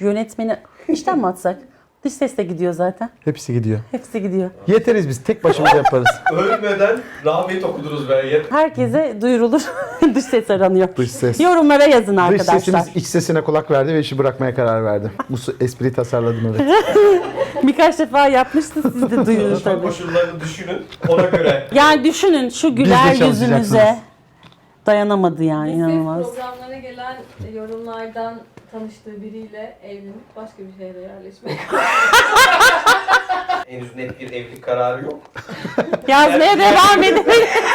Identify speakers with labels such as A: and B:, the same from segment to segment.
A: Yönetmeni işten mi atsak? Dış ses de gidiyor zaten.
B: Hepsi gidiyor.
A: Hepsi gidiyor.
B: Yeteriz biz. Tek başımıza yaparız.
C: Ölmeden rahmet okudunuz be.
A: Herkese duyurulur. Dış ses aranıyor.
B: Dış ses.
A: Yorumlara yazın
B: Dış
A: arkadaşlar.
B: sesimiz iç sesine kulak verdi ve işi bırakmaya karar verdi. Bu espriyi tasarladım evet.
A: Birkaç defa yapmıştınız, siz de duyurun
C: Çalışma
A: tabii.
C: koşullarını düşünün. Ona göre.
A: Yani düşünün şu güler
B: çalışacaksınız.
A: yüzünüze dayanamadı yani
D: Biz
A: inanılmaz.
D: programlara gelen yorumlardan tanıştığı biriyle evlenip başka bir şehre yerleşmek.
C: Henüz net bir evlilik kararı yok.
A: Yazmaya devam edin.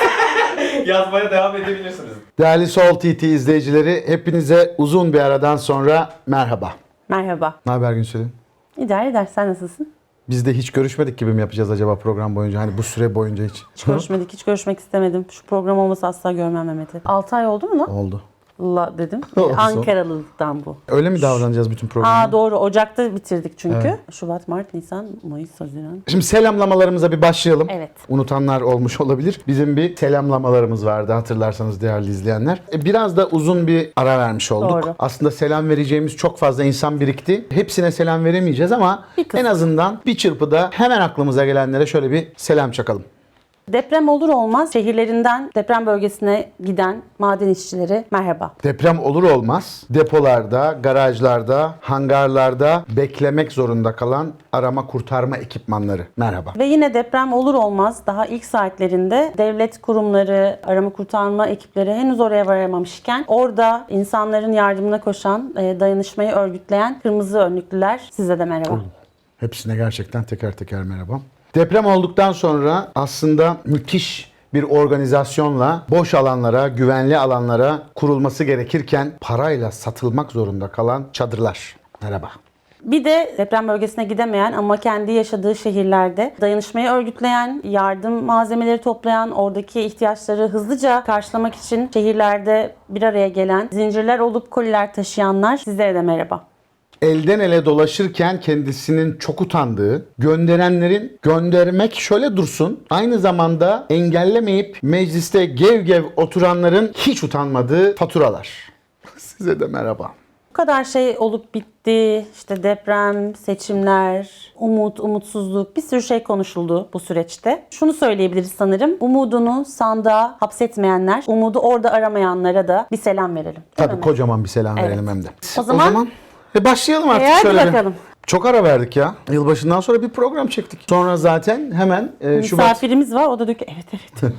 C: Yazmaya devam edebilirsiniz.
B: Değerli Sol TT izleyicileri, hepinize uzun bir aradan sonra merhaba.
A: Merhaba.
B: Ne haber Günsel'in?
A: İdare eder. Sen nasılsın?
B: Biz de hiç görüşmedik gibi mi yapacağız acaba program boyunca? Hani bu süre boyunca hiç.
A: Hiç görüşmedik. Hiç görüşmek istemedim. Şu program olmasa asla görmem Mehmet'i. 6 ay oldu mu lan?
B: Oldu.
A: La dedim.
B: Olsun.
A: Ankaralılıktan bu.
B: Öyle mi davranacağız bütün programı?
A: Aa doğru. Ocak'ta bitirdik çünkü.
B: Evet.
A: Şubat, Mart, Nisan, Mayıs, Haziran.
B: Şimdi selamlamalarımıza bir başlayalım.
A: Evet.
B: Unutanlar olmuş olabilir. Bizim bir selamlamalarımız vardı hatırlarsanız değerli izleyenler. Biraz da uzun bir ara vermiş olduk.
A: Doğru.
B: Aslında selam vereceğimiz çok fazla insan birikti. Hepsine selam veremeyeceğiz ama
A: Bir kısmı.
B: en azından bir çırpıda hemen aklımıza gelenlere şöyle bir selam çakalım.
A: Deprem olur olmaz şehirlerinden deprem bölgesine giden maden işçileri merhaba.
B: Deprem olur olmaz depolarda, garajlarda, hangarlarda beklemek zorunda kalan arama kurtarma ekipmanları. Merhaba.
A: Ve yine deprem olur olmaz daha ilk saatlerinde devlet kurumları, arama kurtarma ekipleri henüz oraya varamamışken orada insanların yardımına koşan, dayanışmayı örgütleyen kırmızı önlüklüler size de merhaba.
B: Hepsine gerçekten teker teker merhaba. Deprem olduktan sonra aslında müthiş bir organizasyonla boş alanlara, güvenli alanlara kurulması gerekirken parayla satılmak zorunda kalan çadırlar. Merhaba.
A: Bir de deprem bölgesine gidemeyen ama kendi yaşadığı şehirlerde dayanışmayı örgütleyen, yardım malzemeleri toplayan, oradaki ihtiyaçları hızlıca karşılamak için şehirlerde bir araya gelen, zincirler olup koliler taşıyanlar size de merhaba.
B: Elden ele dolaşırken kendisinin çok utandığı, gönderenlerin göndermek şöyle dursun, aynı zamanda engellemeyip mecliste gev gev oturanların hiç utanmadığı faturalar. Size de merhaba.
A: Bu kadar şey olup bitti. İşte deprem, seçimler, umut, umutsuzluk bir sürü şey konuşuldu bu süreçte. Şunu söyleyebiliriz sanırım. Umudunu sandığa hapsetmeyenler, umudu orada aramayanlara da bir selam verelim. Değil
B: Tabii
A: mi?
B: kocaman bir selam
A: Evet.
B: verelim hem de.
A: O zaman
B: başlayalım artık
A: hadi
B: şöyle bir.
A: bakalım.
B: Çok ara verdik ya. Yılbaşından sonra bir program çektik. Sonra zaten hemen Şubat.
A: Misafirimiz var. O da diyor ki evet.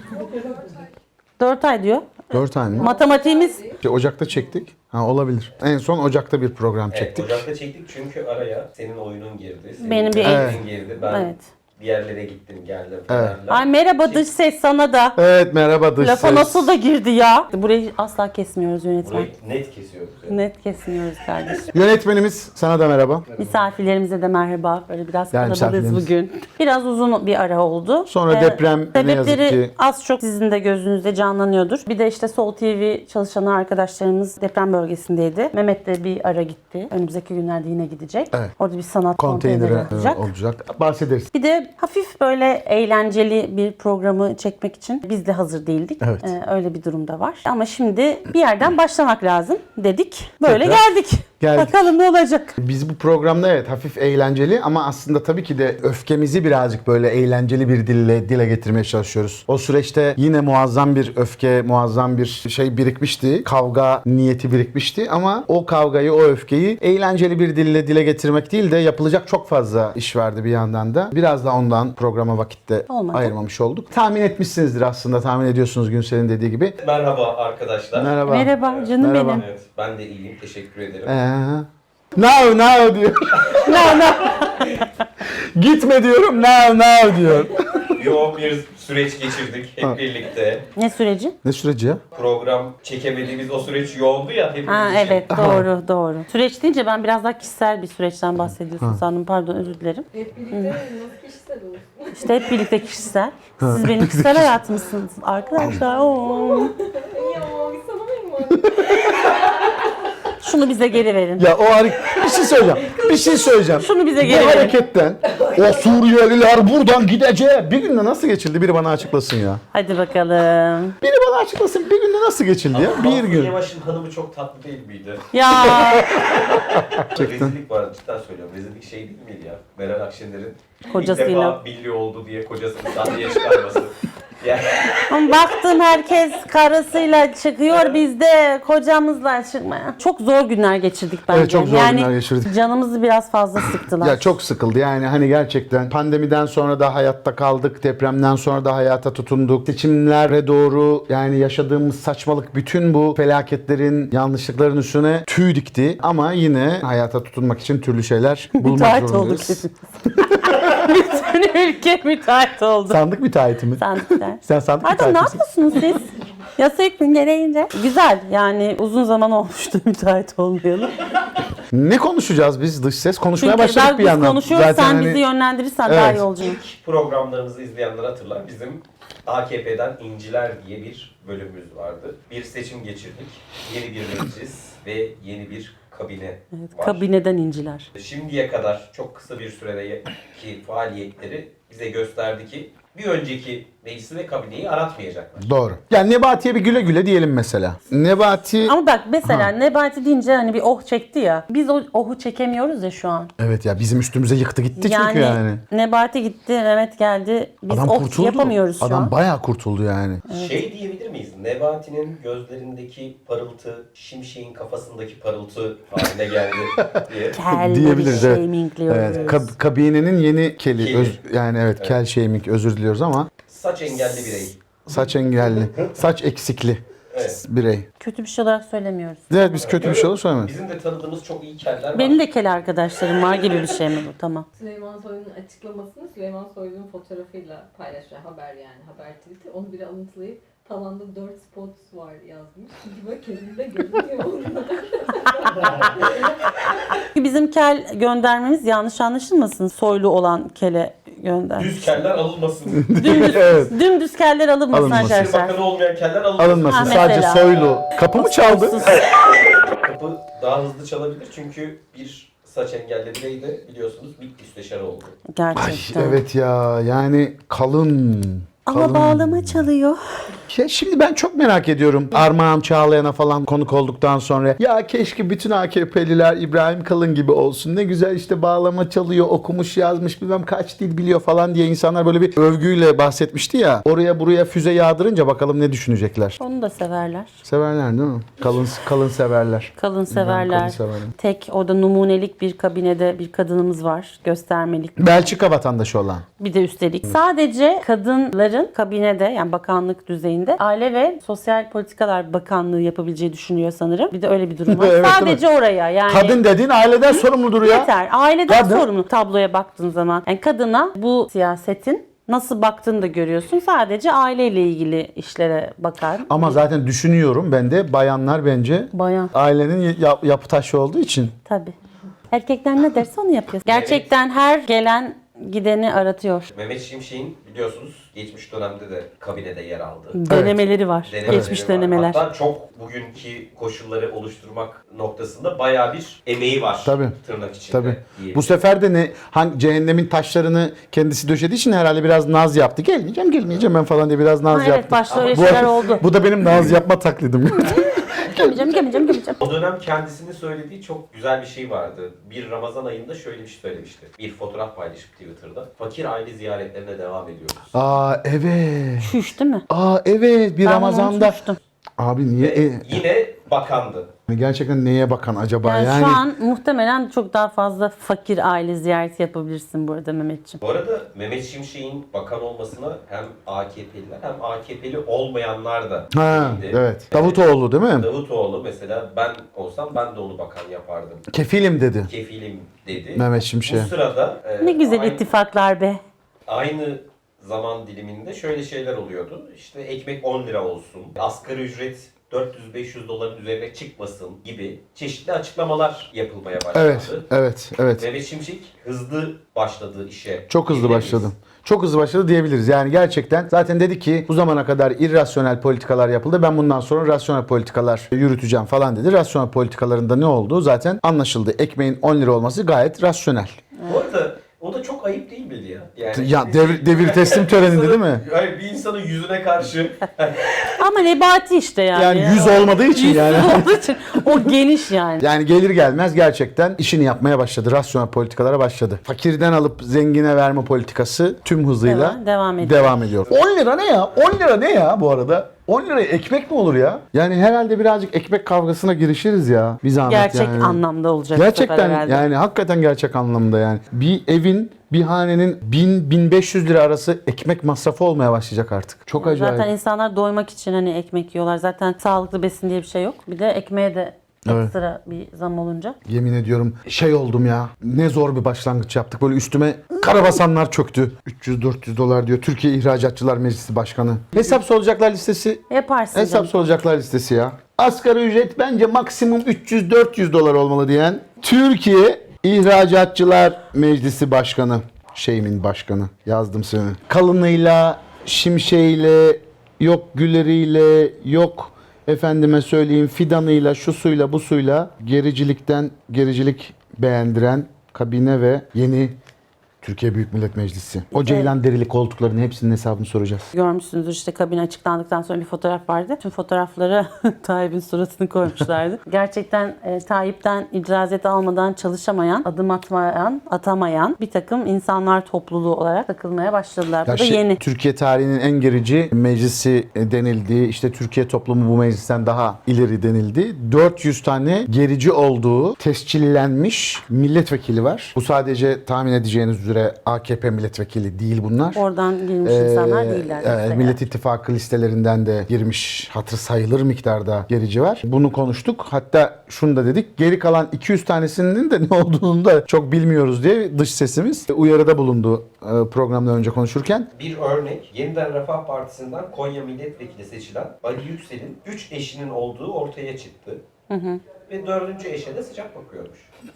A: 4 ay diyor.
B: 4 ay mı?
A: Matematiğimiz
B: Ocak'ta çektik. Ha olabilir. En son Ocak'ta bir program
C: Evet,
B: çektik.
C: Ocak'ta çektik çünkü araya senin oyunun girdi. Senin
A: Benim bir
C: evliliğin girdi. Ben
A: Evet.
C: bir yerlere gittim, geldim
B: Evet.
C: falan.
A: Ay merhaba dış ses sana da.
B: Evet merhaba dış
A: Lafa
B: ses.
A: nasıl da girdi ya. Burayı asla kesmiyoruz yönetmen.
C: Burayı net kesiyoruz. Yani.
A: Net kesmiyoruz kardeşim.
B: Yönetmenimiz sana da merhaba.
A: Misafirlerimize de merhaba. Böyle biraz
B: Yani
A: kalabalığız
B: misafirlerimiz.
A: bugün. Biraz uzun bir ara oldu.
B: Sonra deprem ne yazık
A: sebepleri
B: ki-
A: az çok sizin de gözünüzde canlanıyordur. Bir de işte Sol TV çalışan arkadaşlarımız deprem bölgesindeydi. Mehmet de bir ara gitti. Önümüzdeki günlerde yine gidecek.
B: Evet.
A: Orada bir sanat konteyneri
B: Konteyneri
A: olacak.
B: olacak. Bahsederiz.
A: Bir de hafif böyle eğlenceli bir programı çekmek için biz de hazır değildik.
B: Evet.
A: Öyle bir durum da var. Ama şimdi bir yerden başlamak lazım dedik. Böyle
B: Tekrar
A: geldik.
B: geldik.
A: Bakalım ne olacak.
B: Biz bu programda evet hafif eğlenceli ama aslında tabii ki de öfkemizi birazcık böyle eğlenceli bir dile getirmeye çalışıyoruz. O süreçte yine muazzam bir öfke, muazzam bir şey birikmişti. Kavga niyeti birikmişti ama o kavgayı, o öfkeyi eğlenceli bir dile getirmek değil de yapılacak çok fazla iş vardı bir yandan da. Biraz da ondan programa vakitte
A: Olmadı.
B: ayırmamış olduk. Tahmin etmişsinizdir aslında. Tahmin ediyorsunuz Günsel'in dediği gibi.
C: Merhaba arkadaşlar.
B: Merhaba.
A: Merhaba canım
B: Merhaba.
A: benim.
C: Evet, ben de iyiyim. Teşekkür ederim.
B: Now diyor.
A: No.
B: Gitme diyorum. Now diyor.
C: Yoğun bir süreç geçirdik hep birlikte.
A: Ne süreci?
B: Ne süreci ya?
C: Program çekemediğimiz o süreç yoğundu ya hepimiz
A: Ha
C: için.
A: evet doğru. Süreç deyince ben biraz daha kişisel bir süreçten bahsediyorsun sandım. Pardon özür dilerim.
D: Hep birlikte nasıl kişisel olur?
A: İşte hep birlikte kişisel. Siz benim kişisel hayatımsınız arkadaşlar. Oo.
D: Ya sana mı?
A: Şunu bize geri verin.
B: Ya o bir şey söyleyeceğim. Bir şey söyleyeceğim.
A: Şunu bize
B: Bu
A: geri verin.
B: hareketten O Suriyeliler buradan gidecek. Bir günde nasıl geçildi? Biri bana açıklasın ya.
A: Hadi bakalım.
B: Biri bana açıklasın. Bir günde nasıl geçildi ya? Bir
C: Mansur
B: gün.
C: Yavaş'ın hanımı çok tatlı değil miydi?
A: Ya
C: Rezillik vardı, cidden söylüyorum. Rezillik şey değil miydi ya? Meral Akşener'in
A: Kocasıyla.
C: ilk defa milli oldu diye kocasını sahneye çıkarması. Yani
A: ama baktım herkes karısıyla çıkıyor, biz de kocamızla çıkmaya. Çok zor günler geçirdik bence.
B: Evet, çok zor günler geçirdik.
A: Canımızı biraz fazla sıktılar.
B: Ya çok sıkıldı yani hani gerçekten pandemiden sonra da hayatta kaldık, depremden sonra da hayata tutunduk. Seçimlere doğru yani yaşadığımız saçmalık bütün bu felaketlerin, yanlışlıkların üstüne tüy dikti. Ama yine hayata tutunmak için türlü şeyler bulmak
A: Müteahhit olduk
B: zorundayız.
A: hepimiz. Bütün ülke müteahhit oldu.
B: Sandık müteahhiti mi?
A: Sandıklar.
B: Sen sandık
A: Pardon, ne
B: müteahhiti misin?
A: yapıyorsunuz siz? Yasa hükmü gereğince. Güzel yani, uzun zaman olmuştu müteahhit olmayalı.
B: Ne konuşacağız biz dış ses? Konuşmaya
A: Çünkü
B: başladık bir
A: biz
B: yandan.
A: konuşuyoruz, sen
B: hani-
A: bizi yönlendirirsen daha
B: Evet.
A: iyi olacak.
C: ilk programlarımızı izleyenler hatırlar. Bizim AKP'den İnciler diye bir bölümümüz vardı. Bir seçim geçirdik. Yeni bir meclis ve yeni bir kabine var.
A: Kabineden inciler.
C: Şimdiye kadar çok kısa bir süredeki faaliyetleri bize gösterdi ki bir önceki meclisi ve kabineyi aratmayacaklar.
B: Doğru. Yani Nebati'ye bir güle güle diyelim mesela. Nebati...
A: Ama bak mesela Nebati deyince hani bir oh çekti ya. Biz o ohu çekemiyoruz ya şu an.
B: Evet ya bizim üstümüze yıktı gitti çünkü yani.
A: Nebati gitti, Mehmet geldi. Biz
B: Adam
A: oh
B: kurtuldu.
A: yapamıyoruz şu
B: Adam
A: an.
B: bayağı kurtuldu yani.
C: Şey diyebilir miyiz? Nebati'nin gözlerindeki parıltı, Şimşek'in kafasındaki parıltı haline geldi diye.
A: Kelleri
B: Diyebiliriz, evet.
A: shamingliyoruz.
B: Evet, kabinenin yeni keli.
C: Keli.
B: Yani evet, kel shaming, özür diliyoruz ama
C: Saç engelli birey.
B: saç engelli, saç eksikli
C: Evet.
B: birey.
A: Kötü bir şey olarak söylemiyoruz.
B: Evet biz kötü bir şey olur söylemeyiz.
C: Bizim de tanıdığımız çok iyi keller var.
A: Benim de kel arkadaşlarım var gibi bir şey mi bu? Tamam.
D: Süleyman Soylu'nun açıklamasını Süleyman Soylu'nun fotoğrafıyla paylaşıyor. Haber yani. Haber tweet'i. Onu bile alıntılayıp tavanda 4 spot var yazmış. Çünkü böyle kendinde görünüyor orada.
A: Bizim kel göndermemiz yanlış anlaşılmasın. Soylu olan kele gönder.
C: Düz keller alınmasın.
A: Dümdüz,
B: Evet.
A: dümdüz keller alınmasın
B: Alınmasın.
A: arkadaşlar.
C: Bakanı olmayan keller alınmasın.
B: Alınmasın,
A: Ha,
B: sadece
A: mesela.
B: soylu. Kapı mı çaldı?
A: Soysuz.
C: Kapı daha hızlı çalabilir çünkü bir saç engelli birey de biliyorsunuz MİT müsteşarı oldu.
B: Ay
A: Gerçekten.
B: evet ya yani kalın.
A: Ama
B: kalın.
A: bağlama çalıyor.
B: Ya şimdi ben çok merak ediyorum. Armağan Çağlayan'a falan konuk olduktan sonra ya keşke bütün AKP'liler İbrahim Kalın gibi olsun. Ne güzel işte bağlama çalıyor, okumuş yazmış bilmem kaç dil biliyor falan diye insanlar böyle bir övgüyle bahsetmişti ya. Oraya buraya füze yağdırınca bakalım ne düşünecekler.
A: Onu da severler.
B: Severler değil mi? Kalın severler.
A: Kalın
B: Kalın
A: severler.
B: severler.
A: Tek orada numunelik bir kabinede bir kadınımız var. Göstermelik.
B: Belçika vatandaşı olan.
A: Bir de üstelik sadece kadınların kabinede, yani bakanlık düzeyinde Aile ve Sosyal Politikalar Bakanlığı yapabileceği düşünüyor sanırım. Bir de öyle bir durum var.
B: Evet,
A: Sadece oraya yani.
B: Kadın dediğin aileden sorumludur ya.
A: Yeter. Aileden
B: Kadın.
A: sorumlu tabloya baktığın zaman. Yani kadına bu siyasetin nasıl baktığını da görüyorsun. Sadece aileyle ilgili işlere bakar.
B: Ama zaten düşünüyorum ben de bayanlar bence
A: Bayan.
B: ailenin yapı taşı olduğu için.
A: Tabii. Erkekler ne derse onu yapıyor. Gerçekten her gelen gideni aratıyor.
C: Mehmet Şimşek'in biliyorsunuz geçmiş dönemde de kabinede yer aldı.
A: Denemeleri var.
C: Denemeleri
A: Geçmiş
C: var.
A: denemeler.
C: Hatta çok bugünkü koşulları oluşturmak noktasında bayağı bir emeği var.
B: Tabii.
C: Tırnak içinde.
B: Tabii.
C: diyelim.
B: Bu sefer de hangi cehennemin taşlarını kendisi döşediği için herhalde biraz naz yaptı. Gelmeyeceğim ben falan diye biraz naz
A: Ha, evet,
B: yaptı.
A: başta öyle
B: Bu-
A: şeyler oldu.
B: Bu da benim naz yapma taklidim.
A: Gelmeyeceğim.
C: O dönem kendisinin söylediği çok güzel bir şey vardı. Bir Ramazan ayında şöyle bir şey söylemişti. Bir fotoğraf paylaşıp Twitter'da. Fakir aile ziyaretlerine devam ediyoruz.
B: Aa evet.
A: Şuş değil mi?
B: Aa evet bir
A: Ben
B: Ramazan'da.
A: unutmuştum.
B: Abi niye?
C: Yine bakandı.
B: Gerçekten neye bakan acaba
A: Yani, şu an muhtemelen çok daha fazla fakir aile ziyareti yapabilirsin bu arada Mehmetciğim.
C: Bu arada Mehmet Şimşek'in bakan olmasına hem AKP'liler hem AKP'li olmayanlar da
B: Ha
C: sevindi.
B: evet. Davutoğlu değil mi?
C: Davutoğlu mesela ben olsam ben de onu bakan yapardım.
B: Kefilim dedi.
C: Kefilim dedi.
B: Mehmet Şimşek'e.
C: Bu sırada
A: Ne güzel
C: aynı,
A: ittifaklar be.
C: aynı zaman diliminde şöyle şeyler oluyordu. İşte ekmek 10 lira olsun, asgari ücret 400-500 doların üzerine çıkmasın gibi çeşitli açıklamalar yapılmaya başladı.
B: Evet.
C: Mehmet Şimşek hızlı başladı işe.
B: Çok hızlı
C: diyebilir
B: başladı.
C: miyiz?
B: Çok hızlı başladı diyebiliriz. Yani gerçekten zaten dedi ki bu zamana kadar irrasyonel politikalar yapıldı. Ben bundan sonra rasyonel politikalar yürüteceğim falan dedi. Rasyonel politikalarında ne oldu? Zaten anlaşıldı. Ekmeğin 10 lira olması gayet rasyonel.
C: Bu arada o da çok çok ayıp değil miydi ya? Yani,
B: Ya devir teslim töreninde değil mi?
C: Hayır, bir insanın yüzüne karşı
A: Ama Nebati işte yani.
B: Yani yüz olmadığı için
A: Yüz
B: yani.
A: olduğu için o geniş yani.
B: Yani gelir gelmez gerçekten işini yapmaya başladı. Rasyonel politikalara başladı. Fakirden alıp zengine verme politikası tüm hızıyla devam ediyor. 10 lira ne ya? 10 lira ne ya bu arada? 10 liraya ekmek mi olur ya? Yani herhalde birazcık ekmek kavgasına girişiriz ya. Bir zahmet
A: Gerçek
B: yani.
A: anlamda olacak. bu sefer
B: Gerçekten
A: herhalde.
B: yani hakikaten gerçek anlamda yani. Bir evin, bir hanenin 1000-1500 lira arası ekmek masrafı olmaya başlayacak artık. Çok acayip.
A: Zaten insanlar doymak için hani ekmek yiyorlar. Zaten sağlıklı besin diye bir şey yok. Bir de ekmeğe de
B: Evet.
A: ekstra bir zam olunca.
B: Yemin ediyorum şey oldum ya. Ne zor bir başlangıç yaptık. Böyle üstüme karabasanlar çöktü. 300-400 dolar diyor. Türkiye İhracatçılar Meclisi Başkanı. Hesap soracaklar listesi.
A: Yaparsın
B: Hesap
A: canım.
B: soracaklar listesi ya. Asgari ücret bence maksimum 300-400 dolar olmalı diyen Türkiye İhracatçılar Meclisi Başkanı. Şeyimin başkanı. Yazdım seni. Kalınıyla, şimşeğiyle, yok güleriyle, yok efendime söyleyeyim fidanıyla, şusuyla, busuyla gericilik beğendiren kabine ve yeni Türkiye Büyük Millet Meclisi. O ceylan derili koltukların hepsinin hesabını soracağız.
A: Görmüşsünüzdür işte kabine açıklandıktan sonra bir fotoğraf vardı. Tüm fotoğraflara Tayyip'in suratını koymuşlardı. Gerçekten Tayyip'ten icazet almadan çalışamayan, adım atamayan bir takım insanlar topluluğu olarak takılmaya başladılar. Bu da yeni.
B: Türkiye tarihinin en gerici meclisi denildiği, işte Türkiye toplumu bu meclisten daha ileri denildi. 400 tane gerici olduğu tescillenmiş milletvekili var. Bu sadece tahmin edeceğiniz üzere AKP milletvekili değil bunlar.
A: Oradan girmiş insanlar değiller.
B: Evet, Millet İttifakı listelerinden de girmiş hatır sayılır miktarda gerici var. Bunu konuştuk. Hatta şunu da dedik. Geri kalan 200 tanesinin de ne olduğunu da çok bilmiyoruz diye dış sesimiz uyarıda bulundu programdan önce konuşurken.
C: bir örnek, Yeniden Refah Partisi'nden Konya Milletvekili seçilen Ali Yüksel'in 3 eşinin olduğu ortaya çıktı. Ve 4. eşe de sıcak bakıyormuş.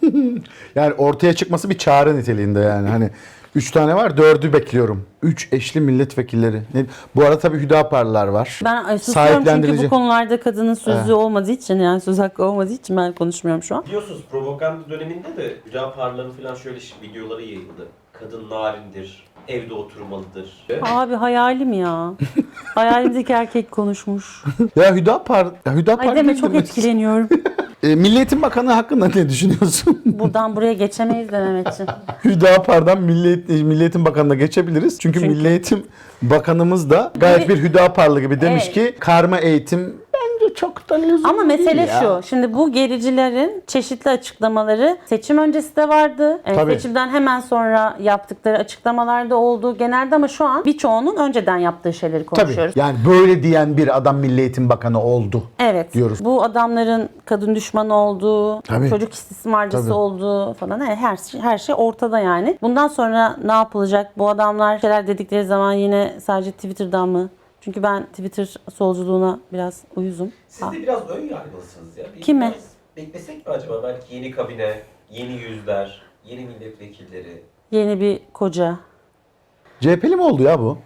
B: Yani ortaya çıkması bir çağrı niteliğinde yani. Hani 3 tane var, 4'ü bekliyorum. 3 eşli milletvekilleri. Bu arada tabii Hüdaparlılar var.
A: Ben susuyorum çünkü
B: Sahiplendirici.
A: bu konularda kadının sözü olmadığı için, yani söz hakkı olmadığı için ben konuşmuyorum şu an.
C: Biliyorsunuz propaganda döneminde de Hüdaparların falan şöyle videoları yayıldı. Kadın narindir, evde oturmalıdır.
A: Abi hayalim ya. Hayalimdeki erkek konuşmuş.
B: Ya Hüdapar
A: Ay deme,
B: değil
A: çok
B: mi?
A: etkileniyorum.
B: Milli Eğitim Bakanı hakkında ne düşünüyorsun?
A: Buradan buraya geçemeyiz de Mehmetciğim.
B: Hüdapar'dan Milli Eğitim Bakanı'na geçebiliriz. Çünkü Milli Eğitim Bakanımız da gayet bir Hüdaparlı gibi demiş
A: Evet.
B: ki karma eğitim bence çok da lüzumlu
A: Ama mesele
B: değil ya.
A: şu. Şimdi bu gericilerin çeşitli açıklamaları seçim öncesi de vardı.
B: Tabii.
A: Seçimden hemen sonra yaptıkları açıklamalarda oldu. Genelde ama şu an birçoğunun önceden yaptığı şeyleri konuşuyoruz.
B: Tabii. Yani böyle diyen bir adam Milli Eğitim Bakanı oldu.
A: Evet.
B: diyoruz.
A: Bu adamların kadın düşmanı olduğu,
B: Tabii.
A: çocuk istismarcısı
B: Tabii.
A: olduğu falan her şey ortada yani. Bundan sonra ne yapılacak? Bu adamlar şeyler dedikleri zaman yine sadece Twitter'dan mı? Çünkü ben Twitter solculuğuna biraz uyuzum.
C: Siz de biraz ön yargılısınız ya.
A: Kime?
C: Biraz beklesek mi acaba? Belki yeni kabine, yeni yüzler, yeni milletvekilleri.
A: Yeni bir koca.
B: CHP'li mi oldu ya bu?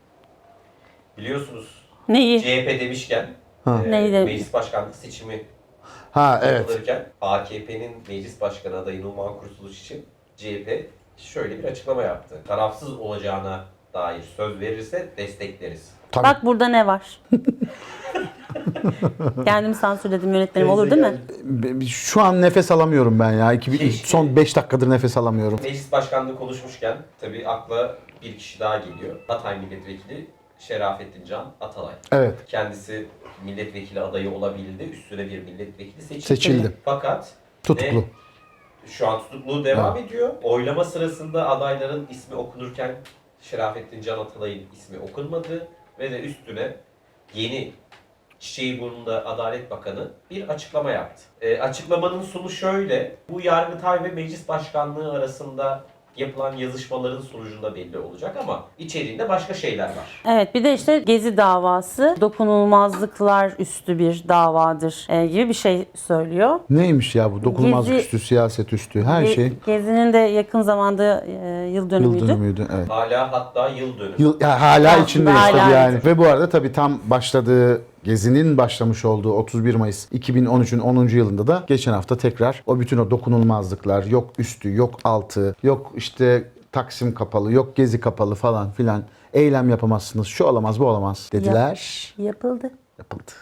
C: Biliyorsunuz
A: Neyi?
C: CHP demişken
A: Neydi?
C: meclis başkanlığı seçimi
B: Ha evet.
C: yapılırken AKP'nin meclis başkanı adayı Numan Kurtuluş için CHP şöyle bir açıklama yaptı. Tarafsız olacağına dair söz verirse destekleriz.
B: Tabii.
A: Bak burada ne var? Kendimi sansürledim, yönetmenim, olur değil mi?
B: Şu an nefes alamıyorum ben ya. Son 5 dakikadır nefes alamıyorum.
C: Meclis başkanlığı konuşmuşken tabii akla bir kişi daha geliyor. Hatay Milletvekili Şerafettin Can Atalay.
B: Evet.
C: Kendisi milletvekili adayı olabildi. Üstüne bir milletvekili
B: Seçildi.
C: Fakat
B: Tutuklu.
C: şu an tutukluğu devam ediyor. Oylama sırasında adayların ismi okunurken Şerafettin Can Atalay'ın ismi okunmadı ve de üstüne yeni Çiçeğiburnu'nda Adalet Bakanı bir açıklama yaptı. Açıklamanın sonu şöyle: bu Yargıtay ve Meclis Başkanlığı arasında yapılan yazışmaların sonucunda belli olacak ama içeriğinde başka şeyler var.
A: Evet, bir de işte Gezi davası dokunulmazlıklar üstü bir davadır gibi bir şey söylüyor.
B: Neymiş ya bu? Dokunulmazlık
A: Gezi-
B: üstü, siyaset üstü, her şey.
A: Gezi'nin de yakın zamanda yıl dönümüydü.
B: Yıl dönümüydü. Evet.
C: Hala hatta yıl dönümü.
B: Hala
A: Aslında
B: içindeyiz
A: hala
B: tabii yani.
A: evet.
B: Ve bu arada tabii tam başladığı Gezi'nin başlamış olduğu 31 Mayıs 2013'ün 10. yılında da geçen hafta tekrar o bütün o dokunulmazlıklar, yok üstü, yok altı, yok işte Taksim kapalı, yok Gezi kapalı falan filan. Eylem yapamazsınız, şu olamaz, bu olamaz dediler.
A: Yapıldı.
B: Yapıldı.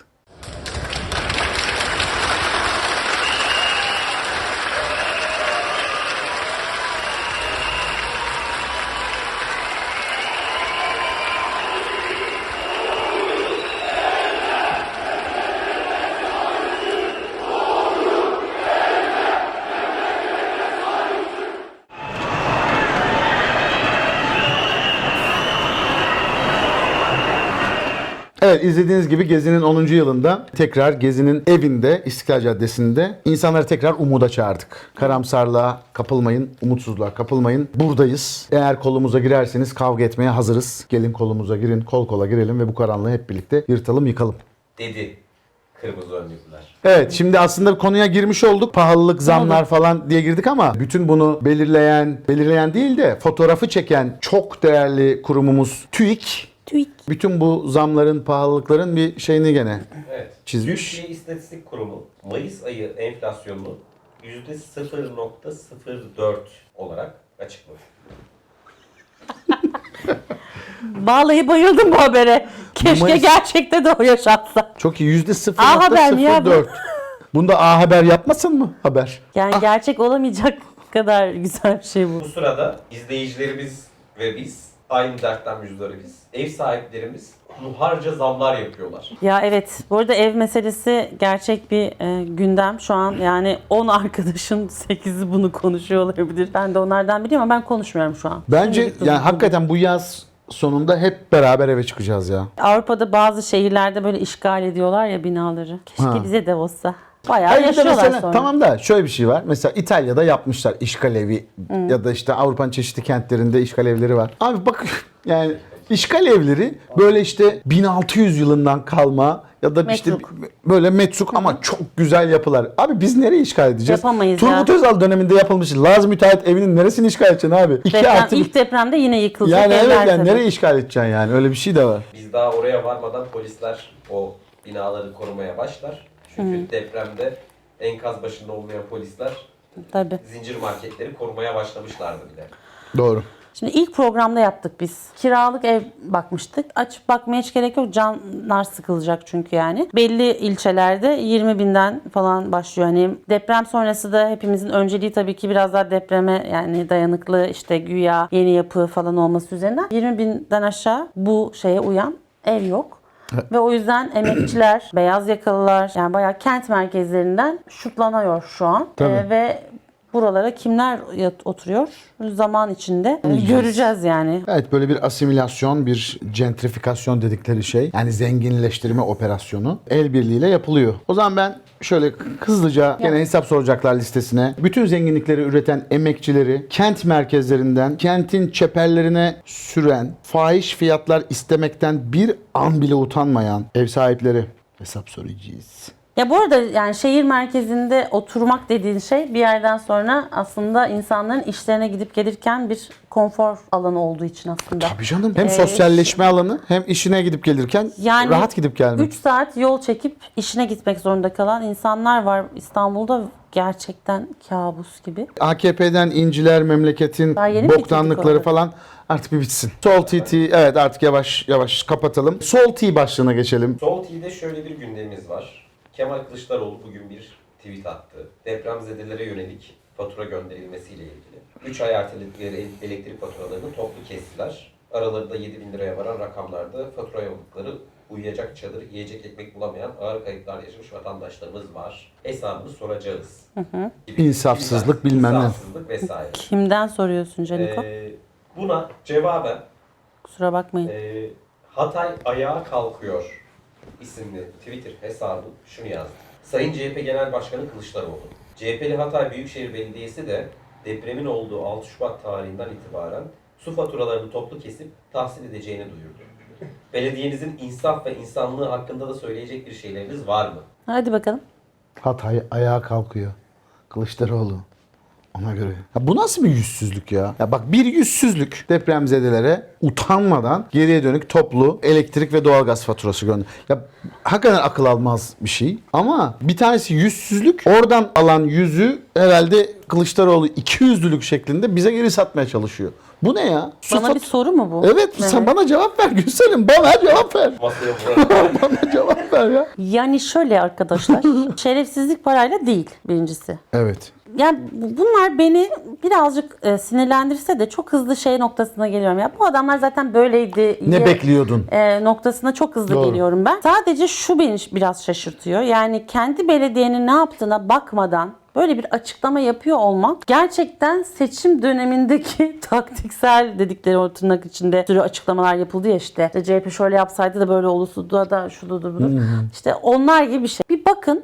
B: Evet, izlediğiniz gibi Gezi'nin 10. yılında tekrar Gezi'nin evinde, İstiklal Caddesi'nde insanları tekrar umuda çağırdık. Karamsarlığa kapılmayın, umutsuzluğa kapılmayın. Buradayız. Eğer kolumuza girerseniz kavga etmeye hazırız. Gelin kolumuza girin, kol kola girelim ve bu karanlığı hep birlikte yırtalım, yıkalım.
C: Dedi kırmızı önlüklüler.
B: Evet, şimdi aslında konuya girmiş olduk. Pahalılık, zamlar falan diye girdik ama bütün bunu belirleyen değil de fotoğrafı çeken çok değerli kurumumuz TÜİK. Bütün bu zamların, pahalılıkların bir şeyini gene
C: Evet.
B: çizmiş.
C: Türkiye İstatistik Kurumu Mayıs ayı enflasyonunu %0.04 olarak açıkladı.
A: Vallahi bayıldım bu habere. Keşke
B: Mayıs-
A: gerçekte de o yaşansa.
B: Çok iyi.
A: A Haber mi ya bu?
B: %0.04. Bunda A Haber yapmasın mı haber?
A: Yani gerçek olamayacak kadar güzel bir şey bu.
C: Bu sırada izleyicilerimiz ve biz aynı dertten müzdaribiz. Ev sahiplerimiz harca zamlar yapıyorlar.
A: Ya evet, bu arada ev meselesi gerçek bir gündem. Şu an yani 10 arkadaşın 8'i bunu konuşuyor olabilir. Ben de onlardan biliyorum ama ben konuşmuyorum şu an.
B: Bence
A: Şimdilik
B: yani
A: bunu-
B: hakikaten bu yaz sonunda hep beraber eve çıkacağız ya.
A: Avrupa'da bazı şehirlerde böyle işgal ediyorlar ya binaları. Keşke
B: Ha.
A: bize de olsa. Bayağı
B: Hayır, bir de
A: yaşıyorlar
B: mesela,
A: sonra.
B: tamam da şöyle bir şey var. Mesela İtalya'da yapmışlar işgal evi ya da işte Avrupa'nın çeşitli kentlerinde işgal evleri var. Abi bak yani işgal evleri böyle işte 1600 yılından kalma ya da işte
A: Metruk.
B: böyle metruk ama çok güzel yapılar. Abi biz nereye işgal edeceğiz?
A: Yapamayız
B: Turgut
A: ya.
B: Özal döneminde yapılmış. Lazım müteahhit evinin neresini işgal edeceksin abi?
A: İlk depremde yine yıkılacak
B: yani
A: evler
B: evet yani
A: tabii.
B: nereye işgal edeceksin yani? Öyle bir şey de var.
C: Biz daha oraya varmadan polisler o binaları korumaya başlar. Çünkü depremde enkaz başında olmayan polisler
A: Tabii.
C: zincir marketleri korumaya başlamışlardı bile.
B: Doğru.
A: Şimdi ilk programda yaptık biz. Kiralık ev bakmıştık. Açıp bakmaya hiç gerek yok. Canlar sıkılacak çünkü yani. Belli ilçelerde 20 binden falan başlıyor. Hani deprem sonrası da hepimizin önceliği tabii ki biraz daha depreme yani dayanıklı işte güya yeni yapı falan olması üzerinden. 20 binden aşağı bu şeye uyan ev yok. Ve o yüzden emekçiler, beyaz yakalılar yani bayağı kent merkezlerinden şutlanıyor şu an.
B: Tabii.
A: Ve buralara kimler oturuyor? Zaman içinde göreceğiz yani.
B: Evet, böyle bir asimilasyon, bir gentrifikasyon dedikleri şey. Yani zenginleştirme operasyonu el birliğiyle yapılıyor. O zaman ben şöyle hızlıca gene hesap soracaklar listesine. Bütün zenginlikleri üreten emekçileri kent merkezlerinden kentin çeperlerine süren, fahiş fiyatlar istemekten bir an bile utanmayan ev sahipleri hesap soracağız.
A: Ya bu arada yani şehir merkezinde oturmak dediğin şey bir yerden sonra aslında insanların işlerine gidip gelirken bir konfor alanı olduğu için aslında.
B: Tabii canım. Hem sosyalleşme alanı hem işine gidip gelirken
A: Yani
B: rahat gidip gelmek.
A: 3 saat yol çekip işine gitmek zorunda kalan insanlar var İstanbul'da, gerçekten kabus gibi.
B: AKP'den inciler, memleketin
A: Daha yeni mi
B: boktanlıkları
A: bitirdik
B: falan artık bir bitsin. Sol TT, evet artık yavaş yavaş kapatalım. Sol T başlığına geçelim.
C: Sol TV'de şöyle bir gündemimiz var. Kemal Kılıçdaroğlu bugün bir tweet attı. Depremzedelere yönelik fatura gönderilmesiyle ilgili. 3 ay erteledikleri elektrik faturalarını toplu kestiler. Aralarında 7.000 liraya varan rakamlarda fatura yolladıkları uyuyacak çadır, yiyecek ekmek bulamayan ağır kayıplar yaşamış vatandaşlarımız var. Hesabını soracağız. Gibi
B: İnsafsızlık bilmem ne.
C: İnsafsızlık vesaire.
A: Kimden soruyorsun Caniko?
C: Buna cevaben
A: Kusura bakmayın.
C: Hatay Ayağa Kalkıyor isimli Twitter hesabı şunu yazdı. Sayın CHP Genel Başkanı Kılıçdaroğlu, CHP'li Hatay Büyükşehir Belediyesi de depremin olduğu 6 Şubat tarihinden itibaren su faturalarını toplu kesip tahsil edeceğini duyurdu. Belediyenizin insaf ve insanlığı hakkında da söyleyecek bir şeyleriniz var mı?
A: Hadi bakalım.
B: Hatay ayağa kalkıyor. Kılıçdaroğlu. Ona göre. Ya bu nasıl bir yüzsüzlük ya? Ya bak, bir yüzsüzlük depremzedelere utanmadan geriye dönük toplu elektrik ve doğalgaz faturası gönder. Ya hakikaten akıl almaz bir şey. Ama bir tanesi yüzsüzlük. Oradan alan yüzü herhalde Kılıçdaroğlu 200'lülük şeklinde bize geri satmaya çalışıyor. Bu ne ya?
A: Bana bir soru mu bu?
B: Evet, sen bana cevap ver Gülselim. Bana cevap ver.
C: Masaya vurarak.
B: Bana cevap ver ya.
A: Yani şöyle arkadaşlar, şerefsizlik parayla değil birincisi.
B: Evet.
A: Yani bunlar beni birazcık sinirlendirse de çok hızlı şey noktasına geliyorum. Ya bu adamlar zaten böyleydi.
B: Ne bekliyordun?
A: Noktasına çok hızlı
B: Doğru.
A: geliyorum ben. Sadece şu beni biraz şaşırtıyor. Yani kendi belediyenin ne yaptığına bakmadan böyle bir açıklama yapıyor olmak gerçekten seçim dönemindeki taktiksel dedikleri o tırnak içinde sürü açıklamalar yapıldı ya işte CHP şöyle yapsaydı da böyle olurdu da şudur budur. İşte onlar gibi bir şey. Bir bakın.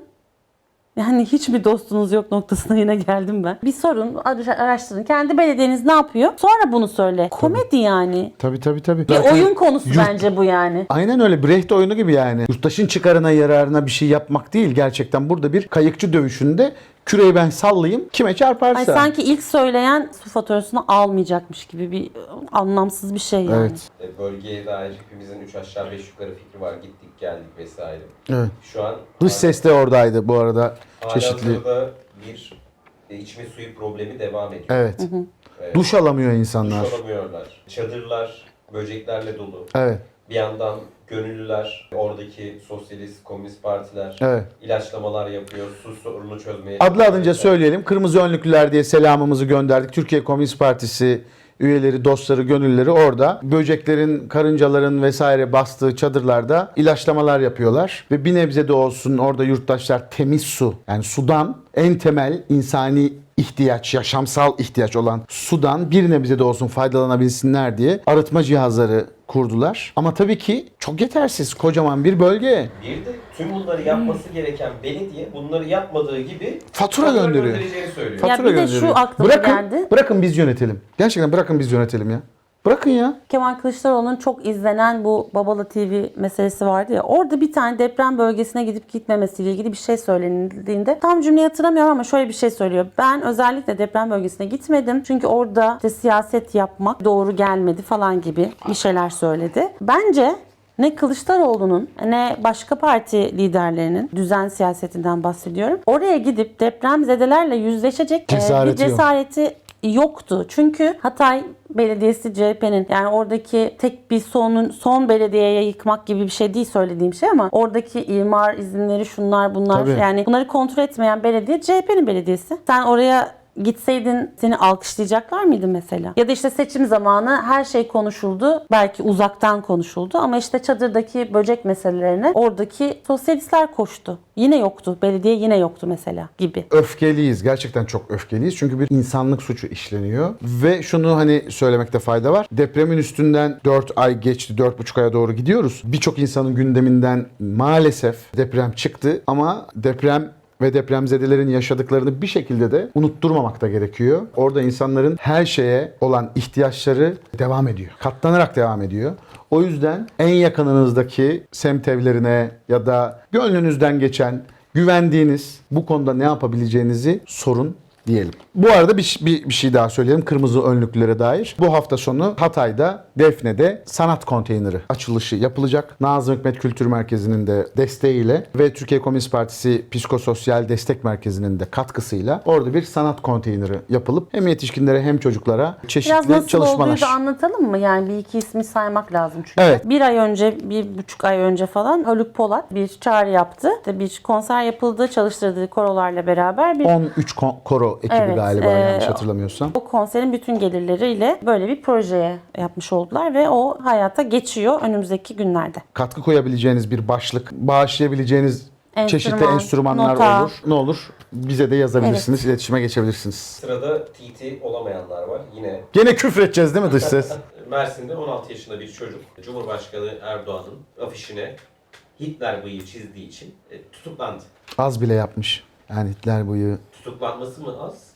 A: Yani hiç mi dostunuz yok noktasına yine geldim ben. Bir sorun, araştırın. Kendi belediyeniz ne yapıyor? Sonra bunu söyle. Komedi yani.
B: Tabii.
A: Bir oyun konusu bence bu yani.
B: Aynen öyle. Brecht oyunu gibi yani. Yurttaşın çıkarına yararına bir şey yapmak değil. Gerçekten burada bir kayıkçı dövüşünde küreyi ben sallayayım kime çarparsa.
A: Ay sanki ilk söyleyen su faturasını almayacakmış gibi bir anlamsız bir şey yani.
B: Evet.
C: Bölgeye dair hepimizin 3 aşağı 5 yukarı fikri var. Gittik geldik vesaire.
B: Evet.
C: Şu an
B: Dış ses de oradaydı bu arada. Çeşitli.
C: halihazırda bir içme suyu problemi devam ediyor.
B: Evet. Duş alamıyor insanlar.
C: Duş alamıyorlar. Çadırlar böceklerle dolu.
B: Evet.
C: Bir yandan gönüllüler, oradaki sosyalist, komünist partiler
B: Evet.
C: ilaçlamalar yapıyor, su sorununu çözmeye
B: Adlı adınca
C: çalışıyor.
B: söyleyelim. Kırmızı önlüklüler diye selamımızı gönderdik. Türkiye Komünist Partisi üyeleri, dostları, gönüllüleri orada. Böceklerin, karıncaların vesaire bastığı çadırlarda ilaçlamalar yapıyorlar. Ve bir nebze de olsun orada yurttaşlar temiz su, yani sudan en temel insani ihtiyaç, yaşamsal ihtiyaç olan sudan bir nebze de olsun faydalanabilsinler diye arıtma cihazları kurdular. Ama tabii ki çok yetersiz. Kocaman bir bölge.
C: Bir de tüm bunları yapması gereken belediye bunları yapmadığı gibi
B: Fatura gönderiyor.
C: göndereceğini söylüyor.
A: Ya
B: Fatura
A: bir de
B: gönderiyor.
A: şu aklıma geldi.
B: Bırakın biz yönetelim. Gerçekten bırakın biz yönetelim ya. Bırakın ya.
A: Kemal Kılıçdaroğlu'nun çok izlenen bu Babala TV meselesi vardı ya. Orada bir tane deprem bölgesine gidip gitmemesiyle ilgili bir şey söylenildiğinde tam cümleyi hatırlamıyorum ama şöyle bir şey söylüyor. Ben özellikle deprem bölgesine gitmedim. Çünkü orada işte siyaset yapmak doğru gelmedi falan gibi bir şeyler söyledi. Bence ne Kılıçdaroğlu'nun ne başka parti liderlerinin düzen siyasetinden bahsediyorum. Oraya gidip depremzedelerle yüzleşecek bir
B: Cesareti yok.
A: cesareti yoktu. Çünkü Hatay Belediyesi CHP'nin yani oradaki tek bir son belediyeye yıkmak gibi bir şey değil söylediğim şey ama oradaki imar izinleri şunlar bunlar
B: Tabii.
A: yani bunları kontrol etmeyen belediye CHP'nin belediyesi. Sen oraya gitseydin seni alkışlayacaklar mıydı mesela? Ya da işte seçim zamanı her şey konuşuldu. Belki uzaktan konuşuldu ama işte çadırdaki böcek meselelerine oradaki sosyalistler koştu. Yine yoktu. Belediye yine yoktu mesela gibi.
B: Öfkeliyiz. Gerçekten çok öfkeliyiz. Çünkü bir insanlık suçu işleniyor. Ve şunu hani söylemekte fayda var. Depremin üstünden 4 ay geçti. 4,5 aya doğru gidiyoruz. Birçok insanın gündeminden maalesef deprem çıktı. Ama deprem ve depremzedelerin yaşadıklarını bir şekilde de unutturmamak da gerekiyor. Orada insanların her şeye olan ihtiyaçları devam ediyor. Katlanarak devam ediyor. O yüzden en yakınınızdaki semt evlerine ya da gönlünüzden geçen, güvendiğiniz bu konuda ne yapabileceğinizi sorun diyelim. Bu arada bir şey daha söyleyelim kırmızı önlüklere dair. Bu hafta sonu Hatay'da, Defne'de sanat konteyneri açılışı yapılacak. Nazım Hikmet Kültür Merkezi'nin de desteğiyle ve Türkiye Komünist Partisi Psikososyal Destek Merkezi'nin de katkısıyla orada bir sanat konteyneri yapılıp hem yetişkinlere hem çocuklara
A: Biraz
B: çeşitli
A: nasıl
B: çalışmalar.
A: olduğu da anlatalım mı? Yani bir iki ismi saymak lazım çünkü.
B: Evet.
A: Bir ay önce, 1,5 ay önce falan Haluk Polat bir çağrı yaptı. İşte bir konser yapıldı, çalıştırdığı korolarla beraber bir
B: 13 koro ekibi
A: Evet,
B: galiba yanlış hatırlamıyorsam.
A: o konserin bütün gelirleriyle böyle bir projeye yapmış oldular ve o hayata geçiyor önümüzdeki günlerde.
B: Katkı koyabileceğiniz bir başlık, bağışlayabileceğiniz çeşitli
A: Enstrüman,
B: enstrümanlar
A: nota.
B: olur. Ne olur? Bize de yazabilirsiniz, iletişime geçebilirsiniz.
C: Sırada TT olamayanlar var. Yine
B: Gene küfredeceğiz değil mi dış ses?
C: Mersin'de 16 yaşında bir çocuk Cumhurbaşkanı Erdoğan'ın afişine Hitler bıyığı çizdiği için tutuklandı.
B: Az bile yapmış. Yani Hitler bıyığı.
C: Tutuklanması mı az?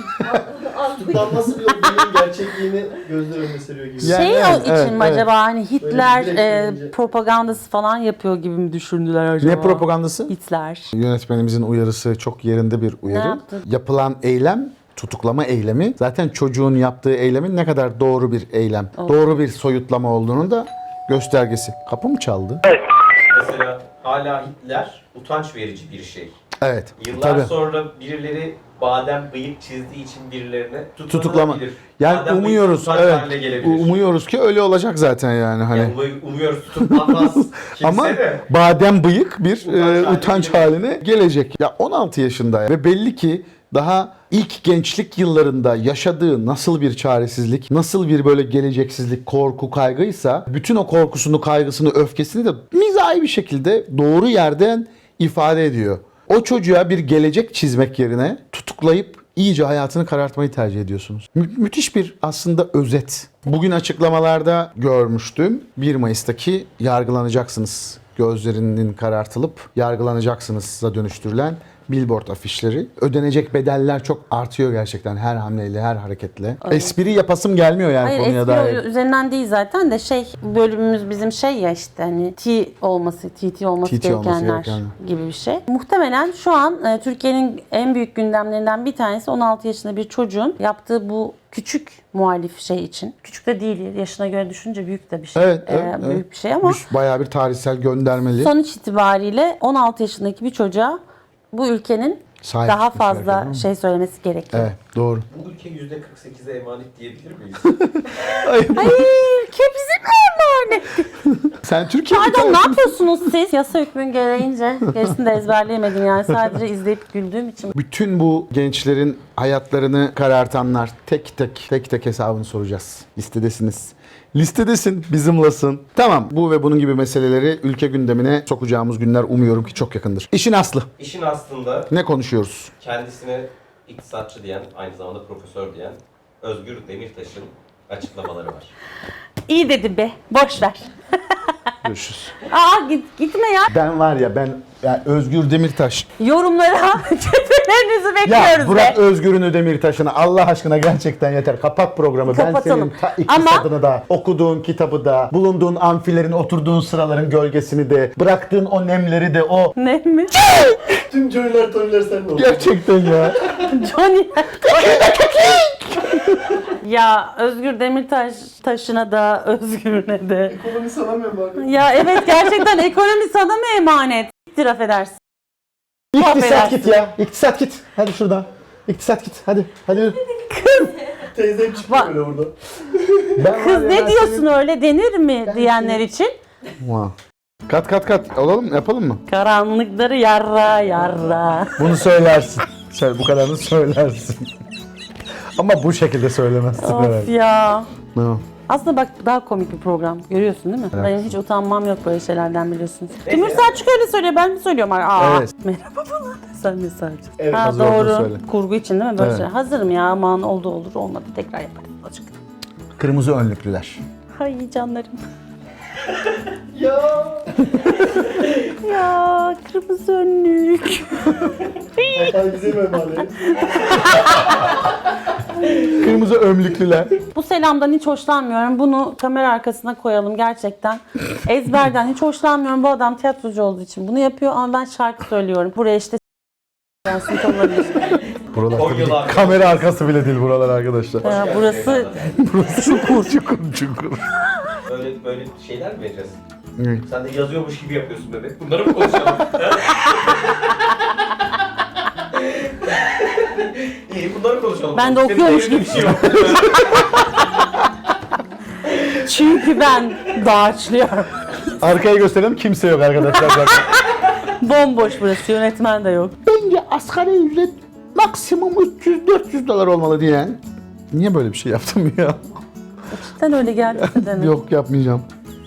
E: Tutuklanması bile o bıyığın gerçekliğini gözler önüne seriyor gibi.
B: Yani
A: Şey
B: evet,
A: o için
B: evet,
A: mi
B: evet.
A: acaba hani Hitler
E: direkt söyleyince.
A: propagandası falan yapıyor gibi mi düşündüler acaba?
B: Ne propagandası?
A: Hitler.
B: Yönetmenimizin uyarısı çok yerinde bir uyarı.
A: Ne yaptı?
B: Yapılan eylem, tutuklama eylemi zaten çocuğun yaptığı eylemin ne kadar doğru bir eylem, doğru bir soyutlama olduğunun da göstergesi. Kapı mı çaldı?
C: Mesela hala Hitler utanç verici bir şey.
B: Evet.
C: Yıllar
B: Tabii.
C: sonra birileri badem bıyık çizdiği için birilerine
B: Tutuklama.
C: tutuklanabilir.
B: Yani
C: Badem bıyık
B: umuyoruz,
C: utanç
B: evet.
C: haline gelebilir.
B: Umuyoruz ki öyle olacak zaten yani hani.
C: Yani umuyoruz tutuklanmaz kimse
B: Ama
C: de.
B: badem bıyık bir
C: Utanç
B: utanç
C: haline
B: haline gelecek. Ya 16 yaşında ve belli ki daha ilk gençlik yıllarında yaşadığı nasıl bir çaresizlik, nasıl bir böyle geleceksizlik, korku, kaygıysa bütün o korkusunu, kaygısını, öfkesini de mizahi bir şekilde doğru yerden ifade ediyor. O çocuğa bir gelecek çizmek yerine tutuklayıp iyice hayatını karartmayı tercih ediyorsunuz. Müthiş bir aslında özet. Bugün açıklamalarda görmüştüm. 1 Mayıs'taki yargılanacaksınız gözlerinin karartılıp yargılanacaksınız'a dönüştürülen billboard afişleri. Ödenecek bedeller çok artıyor gerçekten her hamleyle, her hareketle.
A: Evet.
B: Espri yapasım gelmiyor yani
A: Hayır,
B: konuya
A: espri
B: dair.
A: üzerinden değil zaten de bölümümüz bizim ya işte hani TT olması gerekenler gibi bir şey. Muhtemelen şu an Türkiye'nin en büyük gündemlerinden bir tanesi 16 yaşında bir çocuğun yaptığı bu küçük muhalif şey için. Küçük de değil, yaşına göre düşününce büyük de bir şey.
B: Evet,
A: Büyük bir şey ama
B: Bayağı bir tarihsel göndermeli.
A: sonuç itibariyle 16 yaşındaki bir çocuğa bu ülkenin
B: Sahip
A: daha
B: çıkması
A: fazla
B: gerekiyor,
A: şey söylemesi gerekiyor.
B: Evet, doğru.
C: Bu ülke %48'e emanet diyebilir miyiz?
A: Hayır, ülke bizim emanet.
B: Sen Türkiye
A: Pardon, ne yapıyorsunuz siz? Yasa hükmün gereğince gerisini de ezberleyemedim yani sadece izleyip güldüğüm için.
B: Bütün bu gençlerin hayatlarını karartanlar tek tek hesabını soracağız. Listedesiniz. Listedesin, bizimlasın. Tamam, bu ve bunun gibi meseleleri ülke gündemine sokacağımız günler umuyorum ki çok yakındır. İşin aslı.
C: İşin aslında
B: Ne konuşuyoruz?
C: kendisine iktisatçı diyen, aynı zamanda profesör diyen Özgür Demirtaş'ın açıklamaları var.
A: İyi dedim be, boş ver.
B: Görüşürüz.
A: Gitme ya.
B: Ben var ya yani Özgür Demirtaş.
A: Yorumlara kötülerinizi
B: Ya
A: bekliyoruz
B: bırak
A: be.
B: Özgür'ün Demirtaş'ını Allah aşkına gerçekten yeter. Kapat programı.
A: Kapatalım.
B: Ben senin iktisadını da, okuduğun kitabı da, bulunduğun amfilerin, oturduğun sıraların gölgesini de, bıraktığın o nemleri de, o...
A: Ne mi?
E: Tüm Johnny'ler Tony'ler sen mi oldun?
B: Gerçekten ya.
A: Johnny. Ya Özgür Demirtaş taşına da Özgür'üne de.
E: Ekonomi sana mı emanet?
A: Ya evet gerçekten ekonomi sana mı emanet? İktir affedersin.
B: İktisat git ya. İktisat git. Hadi şuradan. İktisat git. Hadi. Hadi.
E: Teyzem çıktı böyle burada.
A: Kız ne diyorsun öyle denir mi diyenler için?
B: Wow. Kat. Olalım mı? Yapalım mı?
A: Karanlıkları yarra.
B: Bunu söylersin. Bu kadarını söylersin. Ama bu şekilde söylemezsin
A: Of
B: herhalde.
A: ya.
B: No.
A: Aslında bak daha komik bir program. Görüyorsun değil mi?
B: Evet.
A: Benim hiç utanmam yok böyle şeylerden biliyorsunuz.
C: Neyse.
A: Timur Selçuk öyle söylüyor. Ben mi söylüyorum?
B: Evet.
A: Merhaba falan. Sen mi Selçuk?
E: Evet,
A: Ha
B: hazır olduğunu
A: doğru.
B: söyle.
A: Kurgu için değil mi? Böyle
B: Evet.
A: şey. Hazırım ya aman oldu olur olmadı. Tekrar yaparız. Açık.
B: Kırmızı önlüklüler.
A: Ay canlarım.
E: Ya.
A: Ya kırmızı önlük.
E: Vatan bize mi emanet?
B: Kırmızı önlüklüler.
A: Bu selamdan hiç hoşlanmıyorum. Bunu kamera arkasına koyalım gerçekten. Ezberden hiç hoşlanmıyorum. Bu adam tiyatrocu olduğu için bunu yapıyor ama ben şarkı söylüyorum. Buraya işte yansıt olabilir.
B: Buralar
C: 10
B: tabii
C: yıl
B: ki
C: arkadaş.
B: kamera arkası bile değil buralar arkadaşlar.
A: Ya, burası
B: Çukur.
C: Böyle şeyler mi vereceğiz?
B: Evet.
C: Sen de yazıyormuş gibi yapıyorsun bebek. Bunları mı konuşalım? İyi bunları konuşalım.
A: Ben de
C: Senin
A: okuyormuş
C: elinde
A: gibi.
C: bir şey yok.
A: çünkü ben dağarçlıyorum.
B: Arkaya gösterelim, kimse yok arkadaşlar. Bak.
A: Bomboş burası. Yönetmen de yok.
B: Bence asgari ücret maksimum 300-400 dolar olmalı diyen. Niye böyle bir şey yaptım ya?
A: Sen öyle geldiyse demek.
B: Yok, yapmayacağım.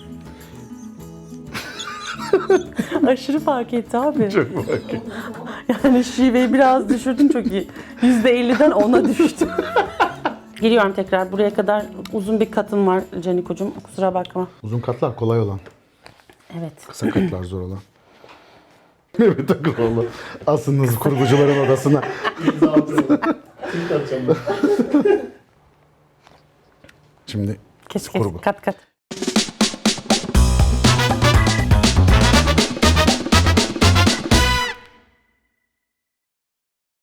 A: Aşırı fark etti abi.
B: Çok bakayım.
A: Yani şiveyi biraz düşürdün çok iyi. %50'den 10'a düştü. Geliyorum tekrar. Buraya kadar uzun bir katım var Canikocuğum. Kusura bakma.
B: Uzun katlar kolay olan.
A: Evet.
B: Kısa katlar zor olan. Mehmet Akıloğlu. Asınız kurgucuların odasına.
E: İmza atıyorum. Tweet atacağım ben.
B: Şimdi
A: Keşke
B: Kurgu.
A: kat.